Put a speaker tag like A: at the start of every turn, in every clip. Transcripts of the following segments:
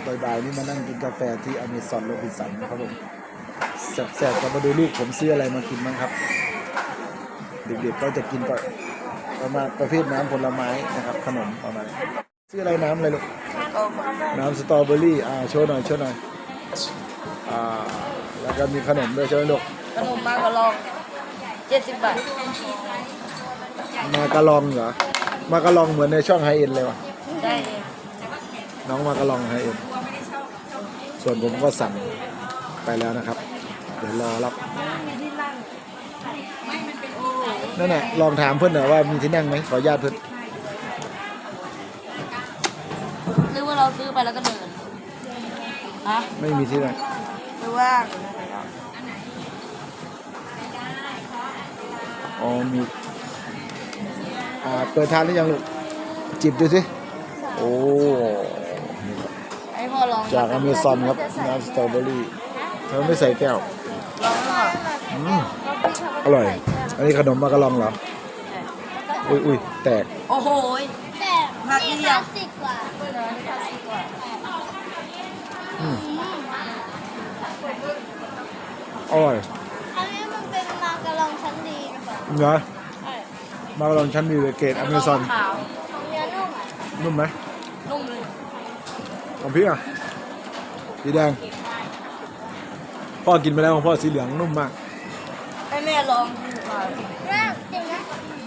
A: บ่ายๆนี่มานั่งกินกาแฟที่อเมซอนโรบินสันนะครับผมแสบๆก็มาดูลูกผมซื้ออะไรมากินบ้างครับเด็กๆก็จะกินประมาณประเภทน้ำผลไม้นะครับขนมประมาณซื้ออะไรน้ำอะไรลูกน้ำสตรอเบอรี่โชว์หน่อยแล้วก็มีขนมด้วยใช่ไหมลูก
B: ขนมมากระลอง70 บาท
A: มากระลองเหรอมากระลองเหมือนในช่องไฮเอ็นเลยวะ
B: ใช่
A: น้องมากระลองไฮเอ็นส่วนผมก็สั่งไปแล้วนะครับเดี๋ยวรอรับนั่นน่ะลองถามเพื่อนหน่อยว่ามีที่นั่งไหมขออนุญาตเพื่อน
B: หรือว่าเราซื้อไปแล้วก็เดินฮะ
A: ไม่มีที่นั่ง
B: หรือว่า
A: อ๋อมีเปิดทานหรือยังลูกจิบดูสิโอ้
B: ไอ้พ่อลอง
A: จากอเมซอนครับน้ำสตรอเบอรี่เธอไม่ใส่แก้ว
B: ลอง
A: อร่อยอันนี้ขนมมากระลองเหรออุ้ยแตก
B: โอ้โหแตกมากเดียว
A: อร่อย
C: อันนี้มันเป็นมากระลองชั้นดี
A: เหรอมากระลองชั้นดีเลยเกรดอเมซอน
C: เนื้อนุ่ม
A: นุ่มไหม
B: นุ่มเลย
A: ของพี่สีแดงพ่อกินไปแล้วของพ่อสีเหลืองนุ่มมาก
B: ให้แม่ลองดูค่ะ
C: จริงนะ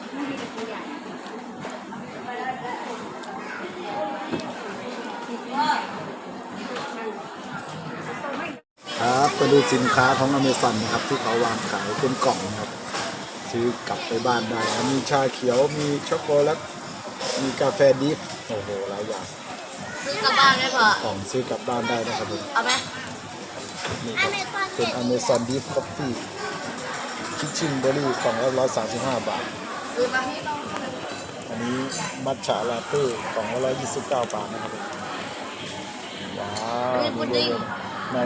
A: ครับไปดูสินค้าของอเมซอนนะครับที่เขาวางขายเป็นกล่องนะครับซื้อกลับไปบ้านได้มีชาเขียวมีช็อกโกแลตมีกาแฟดิฟโอ้โหหลายอย่าง
B: ซื้อกลับบ้านได้ปะ
A: กล่องซื้อกลับบ้านได้นะครับผม
B: เอาไหม
A: นี่ครับเป็นอเมซอนดิฟคอฟฟี่คิชชิ่งเบอร์รี่กล่องละ135 บาทอันนี้มัทฉะลาเต้กล่องละ129 บาทนะครับว้าว
B: นี่พุดดิ้ง
A: ไหน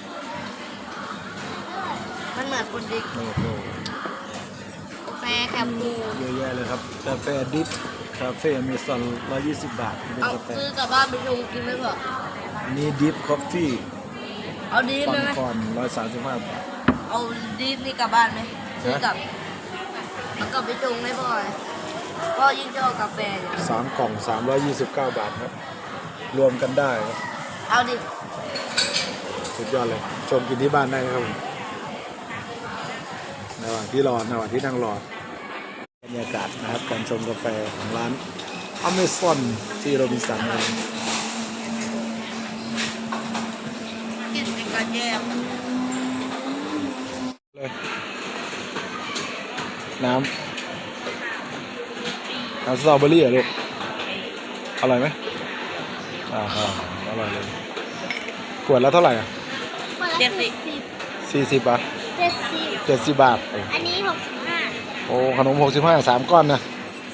B: มันเหมือนพุดดิ้งกาแฟแคปซูล
A: เยอะแยะเลยครับกาแฟดิฟคาเฟ่อเมซอน120 บาทเป็นกาแฟ
B: ซื้อกลับบ้านไปชงกินได้ปะ
A: อันนี้ดิฟคอฟฟี่
B: เอาดิฟไหม
A: ก่อน135 บาท
B: เอาดิฟนี่กลับบ้านไหมซื้อกลับแล้วกลับไปชงได้ป่ะก็ยิ่งชอบกาแฟเนี่ย
A: 3 กล่อง329 บาทครับรวมกันได้ครับ
B: เอาดิ
A: สุดยอดเลยชมกินที่บ้านได้ครับในระหว่างที่นั่งรอบรรยากาศนะครับการชมกาแฟของร้านอเมซอนที่โรบินสัน
B: กินเป็นการแยก
A: เลยน้ำสตรอเบอรี่เหรอลูกอร่อยไหมอร่อยเลยขวดแล้วเท่าไหร่40 บาท70 บาท
C: อันนี้65
A: โอ้ขนม65 3 ก้อนนะ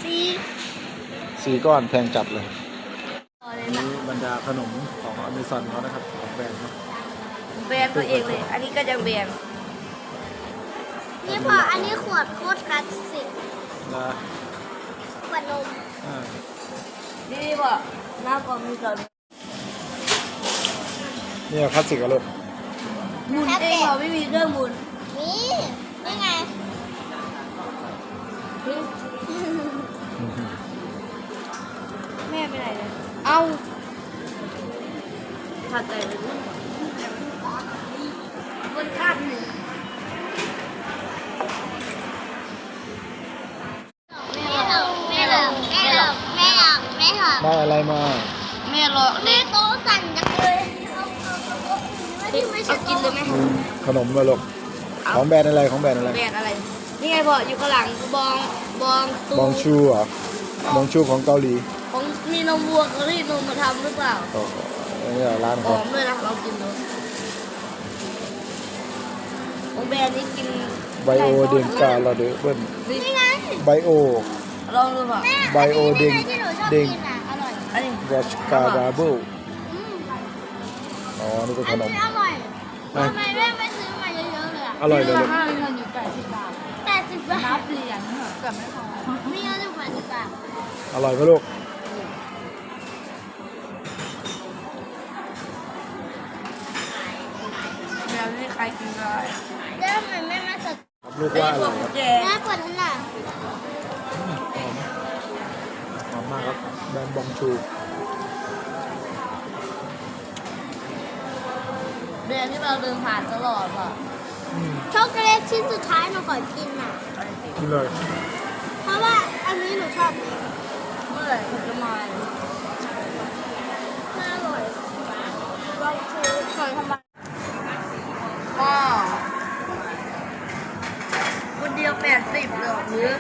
A: 4 ก้อนแพงจัดเลยนี่บรรดาขนมของอเมซอนเขานะครับของแบรนด์เขา
B: แบรนด์ตัวเองเลยอันนี้ก็ยังแบรนด์
C: นี่พออันนี้ขวดโคตรคลาสสิก
A: นะ
C: ขวดนม
B: นี่ป่ะหน้าก็มีก่อน
A: นี่คลาสสิกอะลูก
B: หมุนเองเหรอไม่มีเครื่องหมุน
C: นี่ไง
B: แม่ไปไหนเลยเอาถัดใจเลยบนคาดหนึ่ง
A: ได้อะไรมา
B: แม่รอ
C: แม่โต๊ะสั่นจังเลย
B: เอากินเลยไหม
A: ขนมมาลูกของแบรนด์อะไร
B: แบรนด์อะไรนี่ไงพ่ออยู่ข้างหลัง
A: บองชูเหรอบองชูของเกาหลี
B: ของมีนมวัวเขาที่นมมาทำหรือเปล่า
A: นี่ร้าน
B: หอมด้วยนะเรากินดูของแบรนด์นี้กิน
A: ไบโอเดงกาลาเดเบิ้ล
C: นี่ไง
A: ไบโอ
B: ลองดูป่ะ
A: ไบโอเดงรัชการาเบิลนี่เป็นขนม
C: อร่อยทำไมแม่ไม่ซื้อมาเยอะๆเลย
A: อร่อยเลย
B: 5 เงินอยู่80 บาทนับเหรียญเกือบไม่พอ
C: ไม่เยอะอยู่80 บาท
A: อร่อยไหมลูก
B: ใครกินได้
C: แล้วทำไมแม่มาสด
A: ครับลูกว่าอะไรครับ
B: แจ
C: แม่เปิดให้หน่อย
A: หอมมากครับแบรนด์บองชู
B: เดือนที่เราเดินผ่านตลอดอ่ะ
C: ช็อกโกแลตชิ้นสุดท้ายหนูขอกินอ่ะ
A: กินเลย
C: เพราะว่าอันนี้หนูชอบเลย
B: เมื่อไหร่ผมจะมา
C: น่าอร่อยลองชูหน่อยทำไม
B: ก็คนเดียว80เหรอหรือ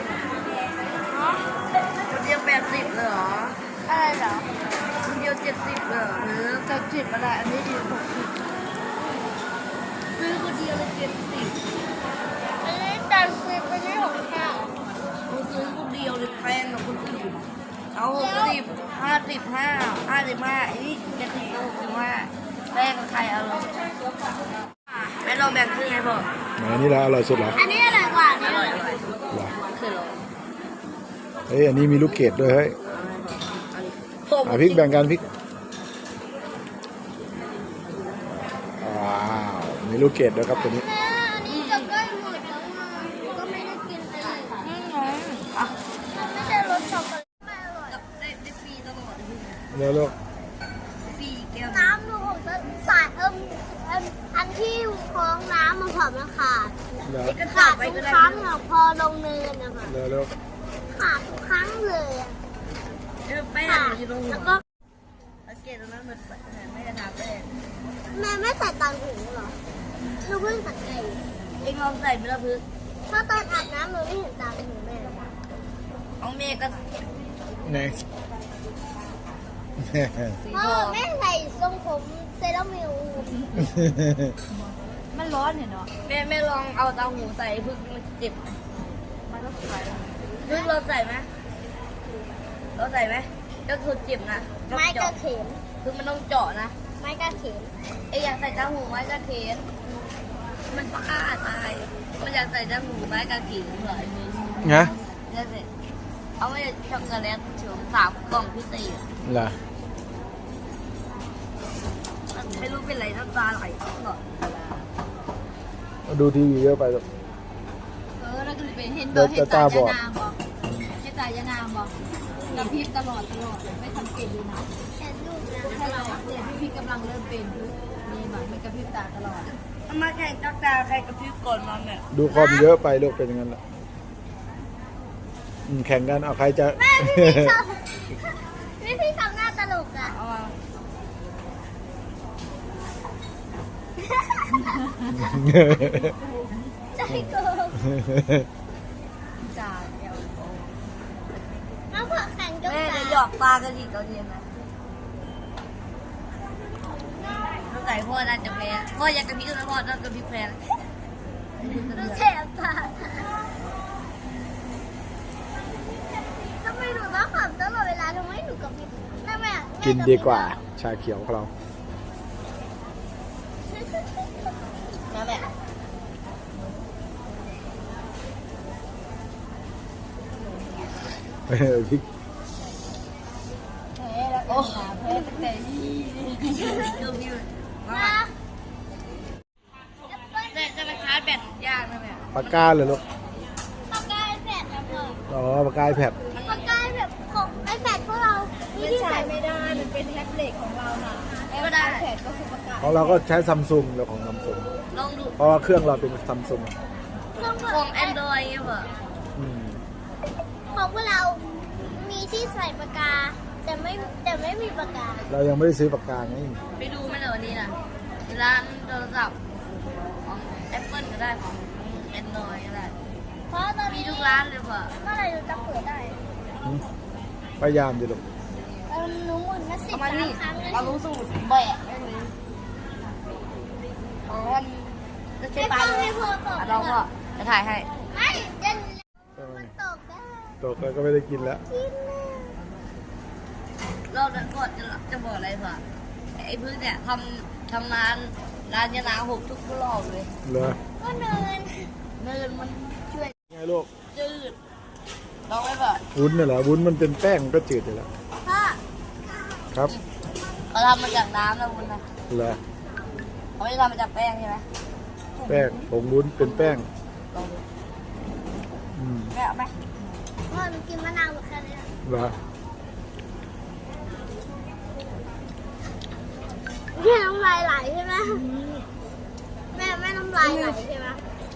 B: คนเดียว80เหรอ
C: อะไรเหรอ
B: คนเดียว70เหรอหรือ70อะไรอันนี้ดี60ซื้อคนเดียวเลย70
C: อันนี้จานฟรีไปที่ของข้าว
B: ผมซื้อคนเดียวเลยแพงกว่าคนอื่นเอา60 55ไอ้นี่70กับ65แพงกับใครเอาเลยแม่ลองแบ่งครึ่งไงพ่อ
A: ไหนนี่ละอร่อยสุดเหรอ
C: อันนี้อร่อยกว่า
B: อ
C: นี่
B: ร่อย
A: เหรอ
B: คือเรา
A: เฮ้ยอันนี้มีลูกเกดด้วยเฮ้ยพริกแบ่งกันพริกว้าวมีลูกเกดด้วยครับตัวนี้
C: แม่อันนี้จะใกล้หมดแล้วไงก็ไม่ได้กินไปเลย
B: อ่ะ
C: มันไม่ใช่รสช็อกโกแลตไม่อร่อย
B: ได้ฟรีตลอด
A: เร็วลูก
B: ฟรีแก้ว
C: น้ำหนูของจะสายอันที่คล้องน้ำมันผอมแล้วขาด
A: เร็ว
B: ก็
C: ขาด
B: ไป
C: ทุ
B: ก็
C: ก
B: ได้
C: ครั้งอะพอลงเนินนะคะ
A: เร็วลูก
C: ขาดทุกครั้งเลยอะ
B: แป้ง
C: ขาด
B: อยู่ตรงหั
C: แล้ว วก็
B: สังเกตตรงนั้นเหมือนไม่ได้ทาแป้ง
C: แม่ไม่ใส่ตังหูเหรอหนูเพิ่งสังเกต
B: เองลองใส่ไปละพึก
C: เพราะตอนอาบน้ำหนูไม่เห็นตังหูแม่เลย
B: เอาเมย์ก็
A: ไหน
B: สี
C: พ่อ
B: ทอง
C: แม่ใส่ทรงผมเซรั่มมิว
B: มันร้อนเนี่ยเนาะแม่ลองเอาเตาหูใส่พึกมันเจ็บมันก็ใส่พึกเราใส่ไหมเราใส่ไหมก็คือเจ็บนะต้อง
C: ไม้กระ
B: เจาะ
C: เข็ม
B: คือมันต้องเจาะนะ
C: ไม้กระเข็ม
B: ไอ้อยากใส่เตาหูไม้กระเขนมันบ้าตายมันอยากใส่เตาหูไม้กระเขนเหรอไอ้มึง
A: นะ
B: เดี๋ยวสิเอาไว้ช็อกโกแลตถึง3 กล่องพิเศษ
A: เหรอ
B: ไม่รู้เป็นไรน้ำตาไหลตลอด
A: ดูทีวีเยอะไปลูก
B: แล้วก็เป็นเห็น
A: เดี๋ยวจะตาบอด
B: ให้ตายานามบอกกับพริบตลอดไม่ทำเก่งเลยนะ
C: เห็นรูปนะ
B: ถ้าเราเนี่ยพี่กำลังเริ่มเป็นนี่แบบมันกระพริบตาตลอดมาแข่งจักตาใครกระพริบก่อนมาเนี่ย
A: ดูคอมเยอะไปลูกเป็นอย่างนั้นแหละแข่งกันเอาใครจะ
C: แม่พี่ทำหน้าตลกอ่ะ
B: เอามา
C: ใจโกง
B: จ่าเดียว
C: น้องผักแข่งกับ
B: แม่จะหยอกตากันอีกตอนเย็นนะต้องใส่พ่อน่าจะแพ้พ่ออยากกระพริบนะพ่อต้องกระพริบแพ้
C: ดูแสบตาทำไมหนูต้องขำตลอดเวลาทำไมหนูกับพี่ทำไมอ่ะ
A: กินดีกว่า ชาเขียวของเรา
B: นะแม่
A: พริก
B: แพ้แล้วโอ้แพ้ตั้งแต่ยี่เริ่มยืด
C: มา
B: แต่จะไปชาร์จแบตยากนะแม่
A: ปากกาเลยลูก
C: ปากกาไอแพดนะพ่อ
A: อ๋อปากกาแพด
C: ปากกาไอแพดของไอแพดพวกเรานี่ที่ใส่ไม่ได้
B: มันเป็นแท็บเล็ตของเราน่ะก็ได้แท็บก็คือประกาศ
A: ของเราก็ใช้ซัมซุงเดี๋ยวของซัมซุง
B: ลองดู
A: เพราะว่าเครื่องเราเป็นซัมซุง
B: ของ Android เงี้ยเหรอ
C: ของพวกเรา มีที่ใส่ปากกา แต่ไม่มีปากกา
A: เรายังไม่ได้ซื้อปากกาไง
B: ไปดูไหมเหรอวันนี้นะร้านโทรศัพท์ของ Apple ก็ได้ของ Android ก็ได้
C: เพราะตอน
B: มี
C: นี้
B: ทุกร้านเลยเปล่า
C: เมื่อไหรเราจะเปิดได้
A: พยายามดิลูก
C: หนูหมุนมา10
B: เอามานี่
C: ครั้งแล้ว
B: เรารู้สูตรแบะได้เลยอ๋อมันจะใช้ปลาเลยเราก็จะถ่ายให้
C: ไม่เด่นมันตกได้
A: ตกแล้วก็ไม่ได้กินแล้ว
C: กินนะ
B: เราจะบอกอะไรเปล่าไอ้พื้นเนี่ยทำร้านยานาหกทุกรอบเลย
A: เหรอ
C: ก็เนิน
B: เนินมันช่วย
A: ไงลูก
B: จืดลองไหมเปล่า
A: วุ้นน่ะเหรอวุ้นมันเป็นแป้งมันก็จืดอยู่แล้ว
C: พ่อ
A: ครับ
B: เขาทำมาจากน้ำนะคุณนะ
A: เหรอ
B: เขาไม่ได้ทำมาจากแป้งใช่ไหม
A: แป้งผงวุ้นเป็นแป้ง
B: ลองดู
A: อืม
B: แม่เอาไหม
C: พ่อหนูกินมะนาวหมดแค่นี้
A: เหรอ
C: แม่น้ำลายไหลใช่ไหมแม่น้ำลายไหลใช่ไหม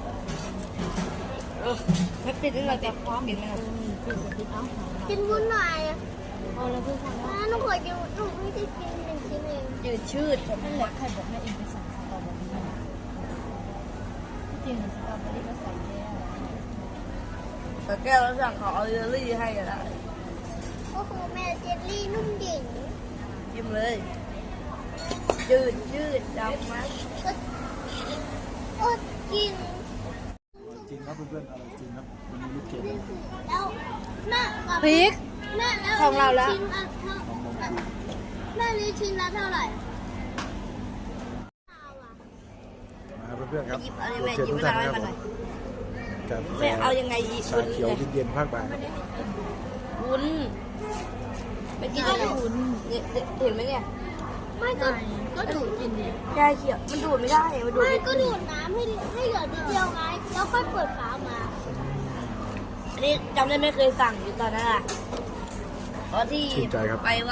B: ไม่ปิดนี่เราจะพร้อมปิดไหมล่ะ
C: กินวุ้นหน่อยแม่หนูขอกินหนูไม่ได้กินหนึ่งชิ้นเอง
B: ยืดชืด
D: นั่นแหละใครบอกแม่เองไปสั่งสตรอเบอรี่ที่จริงสตรอเบอรี่ก็ใส่แก้ว
B: แต่แก้วแล้วสั่งเขาเอาเยลลี่ให้ก็ได้
C: ก็คือแม่เจลลี่นุ่มดิ่ง
B: ยิ้มเลยยืดดำไหม
C: อดกิน
A: จริงครับเพื่อนๆอร่อยจริงครับวันนี้ลูกเกด
C: แล้วแม่กับ
B: พริก
C: แม่แล้ว
B: ของเราแล้ว
C: ชิ้นละเท่าแม่นี้ชิ้นละเท่าไหร่
A: มาเพื่อนๆครับ
B: หยิบอะไรแม่
A: เชิญ
B: หยิบ
A: ทุก
B: มะ
A: ท่าน
B: นาว
A: นะค
B: ให้
A: รับ
B: มาหน่อย
A: กับ
B: แม่เอายังไงอีก
A: ชาเขียวเย็นๆภาคบ่าย
B: วุ้นไปกินอะไรวุ้นเนี่ยเห็นไหมเนี่ย
C: ไม่ก็
D: ก็ดูดกินดิ
B: ยาเขียวมันดูดไม่ได้มันดูด
C: ไม่
B: ไม่
C: ก็ดูดน้ำให้เหลือนิดเดียวไงแล้วค่อยเปิดฝามา
B: อันนี้จำได้ไม่เคยสั่งอยู่ตอนนั้นอ่ะเพราะที่
A: ชื่นใจครับ
B: ไป